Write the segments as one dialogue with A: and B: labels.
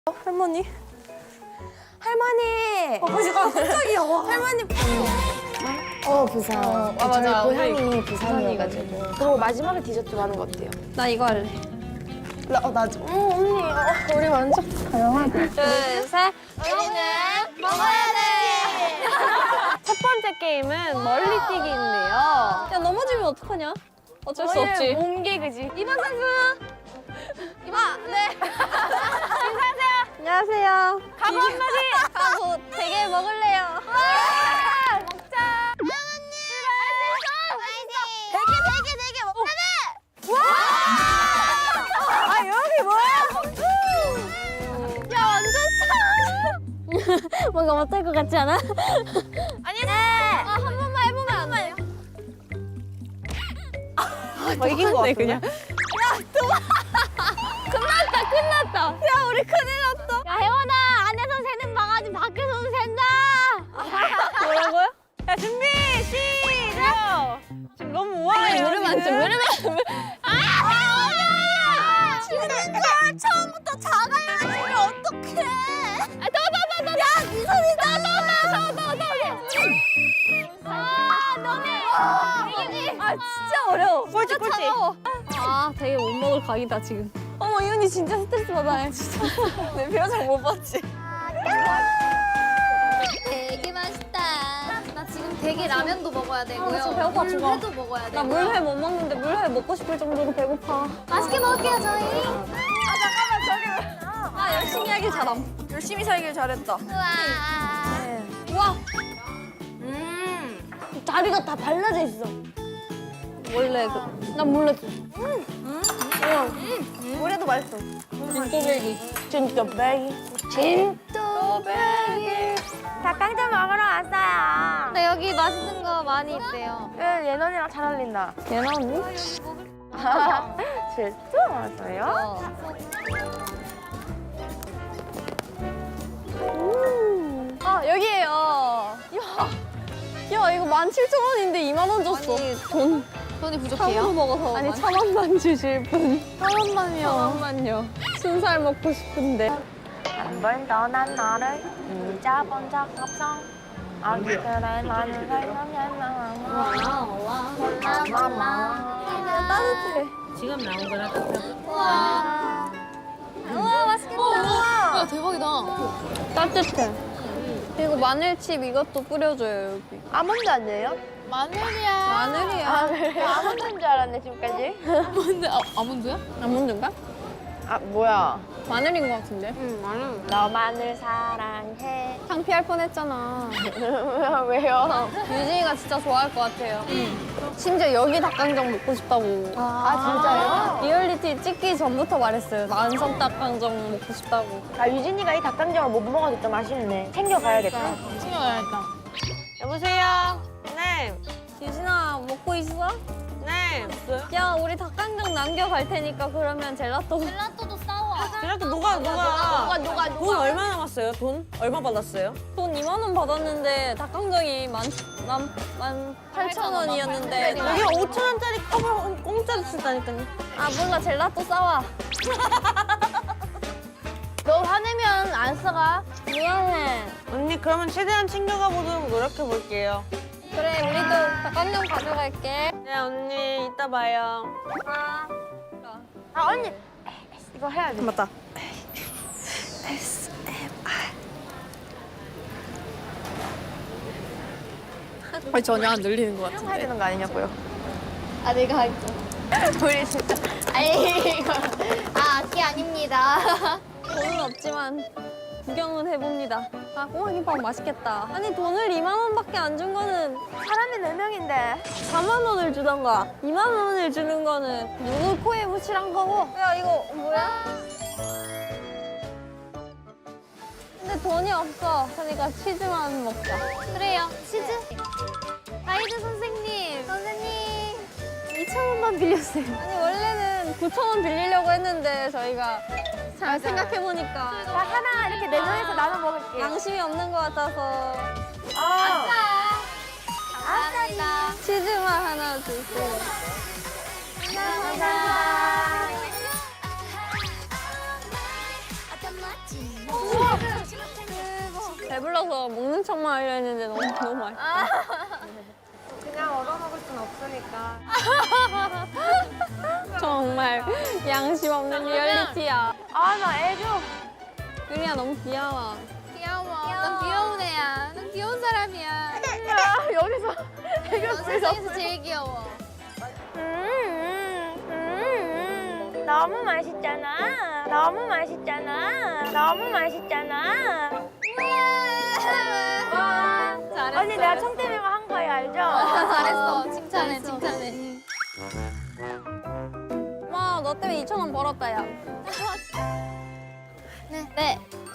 A: 할머니? 할머니! 깜짝이야. 할머니.
B: 부산.
A: 맞아.
B: 저희 고향이
A: 우리
B: 부산이어가지고. 그리고 마지막에 디저트 많은 거 어때요?
A: 나 이거 할래.
B: 나 좀. 언니. 우리 완전 다양하다.
A: 둘, 셋. 우리는 먹어야 돼! 첫 번째 게임은 멀리뛰기인데요. 야, 넘어지면 어떡하냐? 어쩔 수 없지.
B: 몸개 그지?
A: 이번 선수! 네. 인사하세요. 안녕하세요. 가보 한마디. 가보 되게 먹을래요. 와! 먹자. 언니. 되게 먹자. 와! 아 여기 뭐야? 야 완전 차. 뭔가 못할 것 같지 않아? 아니. 네. 한 번만 해보면 안 돼요?
B: 뭐 이긴 거 같은데? 그냥.
A: 끝났다. 야, 우리 큰일 났다. 야, 혜원아, 안에서 새는 방아지 밖에서도 샌다. 뭐라고요?
B: 야 준비 시작. 지금 너무 우아해요.
A: 무릎 안 쳐, 무릎 안 쳐. 혜원아! 지는 걸 처음부터 작아야지. 어떡해. 더. 야, 네 손이 더. 너네. 진짜 어려워.
B: 꼴찌.
A: 되게 못 먹을 각이다, 지금. 어머, 이현이 진짜 스트레스 받아. 진짜.
B: 내 표정 못 봤지?
C: 되게 맛있다. 나 지금 되게 라면도 먹어야 되고요.
A: 나 지금 배고파 죽어.
C: 물회도 먹어야
A: 나
C: 되고요.
A: 물회 못 먹는데 물회 먹고 싶을 정도로 배고파.
C: 맛있게 먹을게요, 저희.
A: 열심히 하길 잘함.
B: 열심히 살길 잘했다.
C: 우와.
A: 우와, 다리가 다 발라져 있어. 원래 난 몰랐어.
B: 물에도 맛있어.
A: 진또배기.
B: 진짜 베이.
A: 닭강정 먹으러 왔어요.
C: 네, 여기 맛있는 거 많이 있대요.
B: 예넌이랑 잘 어울린다.
A: 얘나 언니?
B: 진짜 맛있어요?
A: 여기에요. 야, 이거 17,000원인데 2만 원 줬어. 돈
C: 돈이
A: 참으로
C: 부족해요?
A: 먹어서. 아니, 1,000원만 주실 분.
C: 1,000원만요.
A: 1,000원만요. 순살 먹고 싶은데.
B: 한 번 떠난 너를 잊어본 적 없어. 그래 나는 살려면
A: 따뜻해.
D: 지금 나온 거라
C: 우와. 우와, 맛있겠다. 우와, 대박이다.
A: 따뜻해. 그리고 마늘칩 이것도 뿌려줘요, 여기.
B: 아몬드 아니에요?
C: 마늘이야.
A: 마늘이야.
B: 그래요? 아몬드인 줄 알았네 지금까지.
C: 뭔데? 아몬드야?
A: 아몬드인가?
B: 뭐야?
A: 마늘인 것 같은데?
B: 너만을 사랑해.
A: 창피할 뻔했잖아.
B: 왜요?
A: 유진이가 진짜 좋아할 것 같아요. 심지어 여기 닭강정 먹고 싶다고.
B: 진짜요?
A: 리얼리티 찍기 전부터 말했어요. 만성 닭강정 먹고 싶다고.
B: 유진이가 이 닭강정을 못 먹어서 좀 아쉽네. 챙겨가야겠다.
C: 챙겨야겠다.
B: 여보세요? 네.
A: 유진아, 먹고 있어?
B: 네.
A: 야, 우리 닭강정 남겨갈 테니까 그러면 젤라또.
C: 젤라또도 싸워.
D: 그래도 누가 돈 얼마 남았어요? 돈 얼마 받았어요?
A: 돈 2만 원 받았는데 닭강정이 18,000원이었는데.
D: 여기 5,000원짜리 컵을 공짜로 준다니까요.
A: 아, 몰라. 젤라또 싸와.
B: 너 화내면 안 써가.
A: 미안해.
D: 언니 그러면 최대한 챙겨가 보도록 노력해 볼게요.
A: 그래, 우리도 닭강정 가져갈게.
D: 네 언니 이따 봐요.
B: 언니 이거 해야 돼.
D: 맞다.
A: 아니, 전혀 안 들리는 것
B: 해야 되는 거 아니냐고요?
C: 아, 내가 할게.
B: 우리 진짜.
C: 아니, 이거. 그게 아닙니다.
A: 돈은 없지만 구경은 해봅니다. 아, 꼬마김밥 맛있겠다. 아니, 돈을 2만 원밖에 안 준 거는
B: 사람이 4명인데.
A: 4만 원을 주던가 2만 원을 주는 거는 누구 코에 묻히란 거고. 야, 이거 뭐야? 근데 돈이 없어. 그러니까 치즈만 먹자.
C: 그래요. 치즈. 가이드 선생님. 선생님.
A: 2,000원만 빌렸어요. 아니, 원래는 9,000원 빌리려고 했는데 저희가 잘 생각해보니까
B: 자, 하나 이렇게 4명이서 나눠 먹을게.
A: 양심이 없는 것 같아서
C: 감사합니다.
A: 치즈만 하나 주세요.
C: 감사합니다.
E: I got my team.
A: 배불러서 먹는 척만 하려 했는데 너무 맛있다.
B: 그냥 얻어먹을 순 없으니까.
A: 정말 양심 없는 리얼리티야.
B: 아, 나 애교.
A: 유리야 너무 귀여워.
C: 귀여워. 넌 귀여운 애야. 넌 귀여운 사람이야.
B: 여기서 애교
C: 넌 세상에서 제일 귀여워.
B: 너무 맛있잖아. 너무 맛있잖아. 너무 맛있잖아.
C: 잘했어.
B: 언니 내가 청 때문에 한 거예요, 알죠?
C: 잘했어. 칭찬해, 칭찬해.
A: 와, 너 때문에 2,000원 벌었다, 야.
C: 네.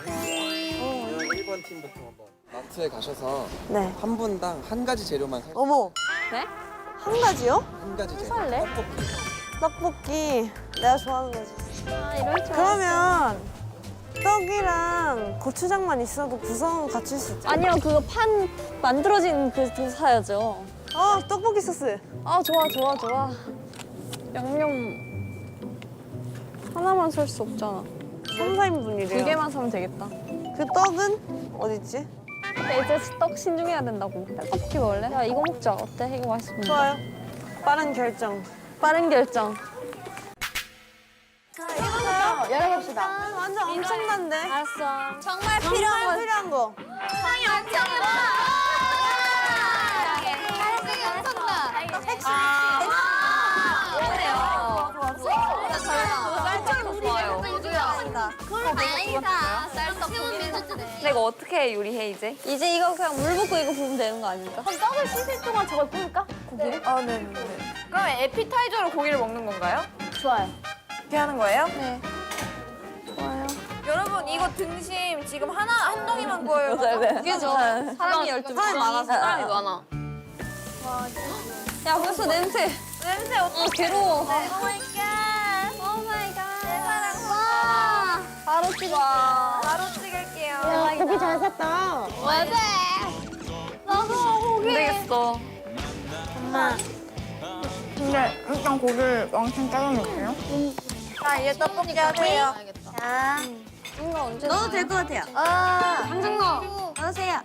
E: 1번 팀부터 한번 마트에 가셔서
D: 네.
E: 한 분당 한 가지 재료만 살 수
D: 어머.
A: 네?
D: 한 가지요?
E: 한 가지 재료.
A: 살래?
E: 떡볶이.
D: 떡볶이. 내가 좋아하는 거지.
A: 아, 이럴 줄
D: 그러면 떡이랑 고추장만 있어도 구성은 갖출 수 있죠?
A: 아니요, 그거 판 만들어진 그거 사야죠.
D: 떡볶이 소스.
A: 아, 좋아. 양념 하나만 살 수 없잖아.
D: 3, 4인분이래요.
A: 2개만 사면 되겠다.
D: 그 떡은 어딨지?
A: 근데 이제 떡 신중해야 된다고. 떡볶이 먹을래? 야, 이거 먹자. 어때? 이거 맛있어.
D: 좋아요. 빠른 결정.
A: 빠른 결정.
B: 열어봅시다.
D: 완전 엄청난데?
A: 알았어.
C: 정말
D: 정말 필요한 거.
C: 상이 엄청 많아. 상이 엄청나.
A: 근데 이거 어떻게 요리해, 이제? 이제 이거 그냥 물 붓고 이거 부으면 되는 거 아닙니까?
B: 그럼 떡을 씻을 동안 저걸 구울까? 고기를?
D: 아, 네.
B: 그럼 에피타이저로 고기를 먹는 건가요? 좋아요.
D: 이렇게 하는 거예요?
A: 네. 좋아요.
B: 여러분 이거 등심 지금 한 덩이만 구워요.
A: 그죠? 사람이 12명. 사람이 많아서 사람이 많아. 야, 벌써 냄새.
B: 냄새 어떡해.
A: 괴로워.
C: 오 마이 갓. 내 사랑. 와.
A: 바로 찍어.
B: 바로 찍을게요.
D: 고기 잘 샀다.
C: 맞아. 나도
A: 안 되겠어.
B: 근데 일단 고기를 왕창 잘라놓을게요. 자 이제 떡볶이 하세요.
C: 자.
A: 이거 언제
D: 넣어도 될 것 같아요.
A: 당장 넣어.
D: 넣으세요.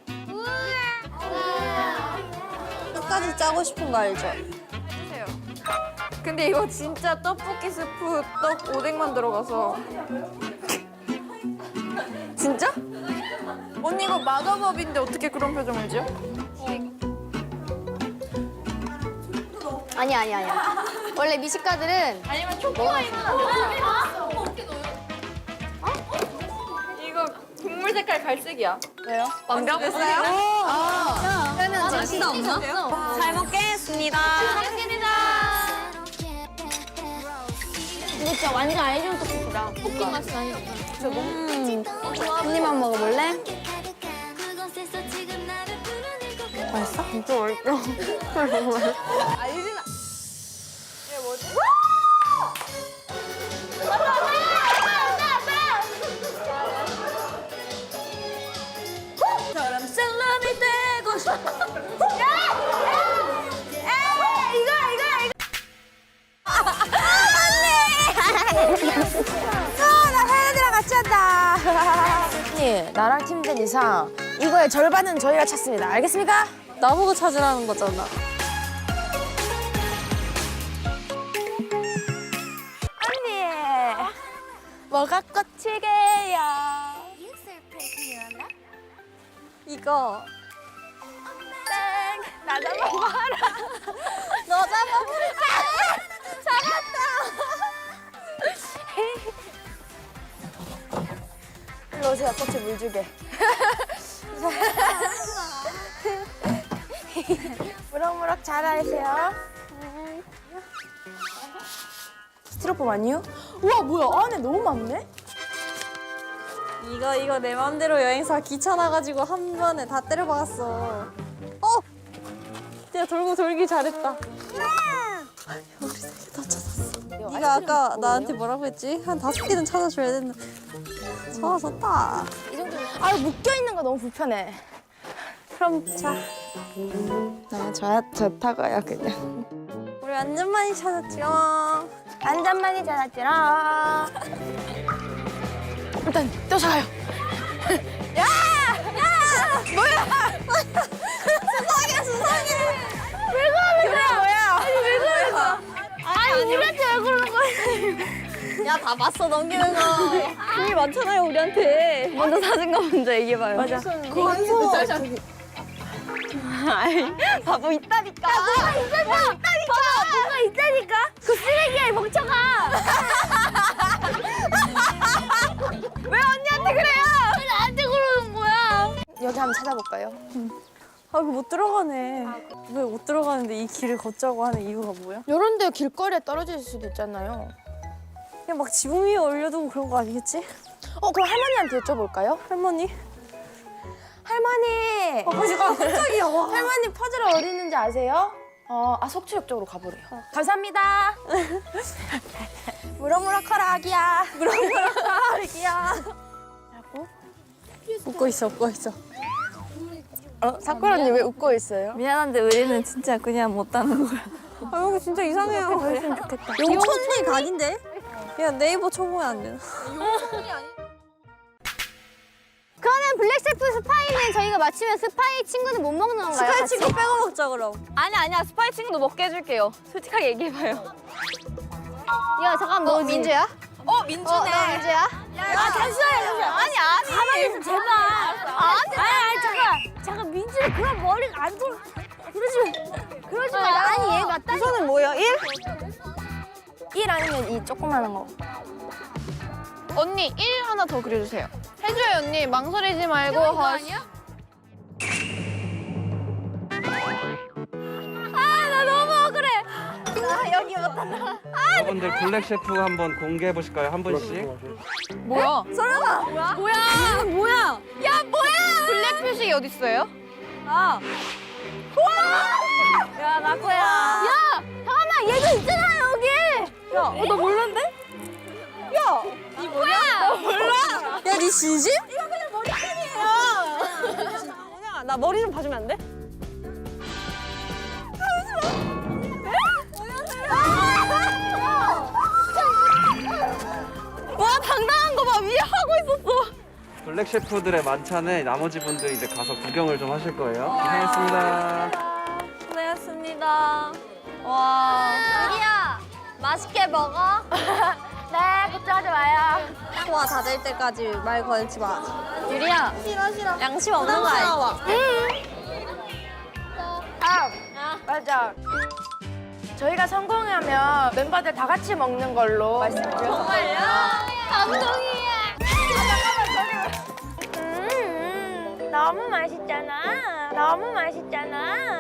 A: 끝까지 짜고 싶은 거 알죠?
B: 해주세요. 근데 이거 진짜 떡볶이 스프 떡 오뎅만 들어가서.
A: 진짜?
B: 언니 이거 마더법인데 어떻게 그런 표정을 지어?
C: 아니야. 원래 미식가들은
B: 아니면 초코아이만 이거 국물 색깔 갈색이야.
A: 왜요?
B: 완벽했어요?
C: 그러면
A: 맛있다, 없나? 잘 먹겠습니다.
C: 근데 진짜 완전 알죠 떡볶이다. 떡볶이 맛이 나니까. 한 입만 먹어볼래?
A: 맛있어? 진짜 맛있어.
D: 저럼 셀럽이 되고 싶어.
B: 나 사연이랑 같이 한다. 언니 나랑 팀된 이상 이거의 절반은 저희가 찾습니다. 알겠습니까?
A: 나보고 찾으라는 거잖아.
B: 언니 뭐가 꽃이게요?
A: 이거
B: 나 잡아봐라.
A: 너 잡아볼까?
B: 일로 오세요. 꽃에 물 주게. 무럭무럭 자라세요. 스티로폼 아니에요? 우와 뭐야 안에 너무 많네?
A: 이거 내 맘대로 여행사 귀찮아가지고 한 번에 다 때려박았어. 진짜 돌고 돌기 잘했다. 우리 3개 다 찾았어. 네가 아까 나한테 뭐라고 했지? 한 5개는 찾아줘야 된다. 찾았다.
B: 아 묶여 있는 거 너무 불편해.
A: 그럼 자,
B: 좋다고요 그냥.
A: 우리 완전 많이 찾았죠.
B: 완전 많이 자랐지라. 일단 또 자요.
C: 아니 우리한테 왜 그러는 거야?
A: 야, 다 봤어, 넘기는 거. 돈이 많잖아요, 우리한테. 먼저 사준 거 먼저 얘기해봐요. 맞아. 아이, 바보 있다니까.
C: 뭐가 있다니까? 그 쓰레기야 이 멍청아.
A: 왜 언니한테 그래요?
C: 왜 나한테 그러는 거야?
B: 여기 한번 찾아볼까요?
A: 아, 이거 못 들어가네. 왜 못 들어가는데 이 길을 걷자고 하는 이유가 뭐야?
B: 이런 데 길거리에 떨어질 수도 있잖아요.
A: 그냥 막 지붕 위에 올려두고 그런 거 아니겠지?
B: 그럼 할머니한테 여쭤볼까요?
A: 할머니?
B: 할머니!
A: 깜짝이야, 와.
B: 할머니 퍼즐 어디 있는지 아세요? 속초역 쪽으로 가보래요. 감사합니다. 무럭무럭 커라, 아기야.
A: 아기야. 웃고 있어, 웃고 있어.
B: 사쿠라 언니 왜 웃고 있어요?
A: 미안한데 우리는 진짜 그냥 못하는 거야.
D: 아, 여기 진짜 이상해요.
A: 용천리 각인데? 그냥 네이버 쳐보면 안 되나?
C: 그러면 블랙셰프 스파이는 저희가 맞히면 스파이 친구는 못 먹는 건가요?
A: 스파이
C: 같이?
A: 친구 빼고 먹자, 그럼.
C: 아니야 스파이 친구도 먹게 해줄게요. 솔직하게 얘기해봐요. 야 잠깐 너 민주야?
A: 민주네.
C: 너 민주야? 야 잠시만요. 아니 가만히 있어 제발. 아니 잠깐 민주는 그런 머리가 안 돌아. 그러지 마. 아니 얘 맞다.
D: 우선은 뭐예요? 1?
B: 1 아니면 2 조그마한 거.
F: 언니 1 하나 더 그려주세요. 해줘요 언니 망설이지 말고. 아니야?
E: 여러분들 블랙 셰프 한번 공개해 보실까요? 한 분씩.
F: 뭐야?
C: 뭐야?
F: 블랙 표식이 어디 있어요?
A: 야, 나코야.
C: 야 잠깐만 얘도 있잖아 여기.
A: 야, 너 몰랐는데? 야, 니 뭐야? 너 몰라? 야, 니 진심?
D: 그냥 나 머리 좀 봐주면 안 돼?
A: 와, 당당한 거 봐. 위에 하고 있었어.
E: 블랙 셰프들의 만찬에 나머지 분들 이제 가서 구경을 좀 하실 거예요. 고생했습니다.
A: 고생했습니다. 와.
C: 유리야 맛있게 먹어. 네 걱정하지 마요.
A: 소화 다 될 때까지 말 걸지 마.
C: 유리야.
A: 양심 없는 거 알지?
B: 맞아. 저희가 성공하면 멤버들 다 같이 먹는 걸로 말씀드렸어요.
C: 정말요? 감동이야. 너무 맛있잖아. 너무 맛있잖아.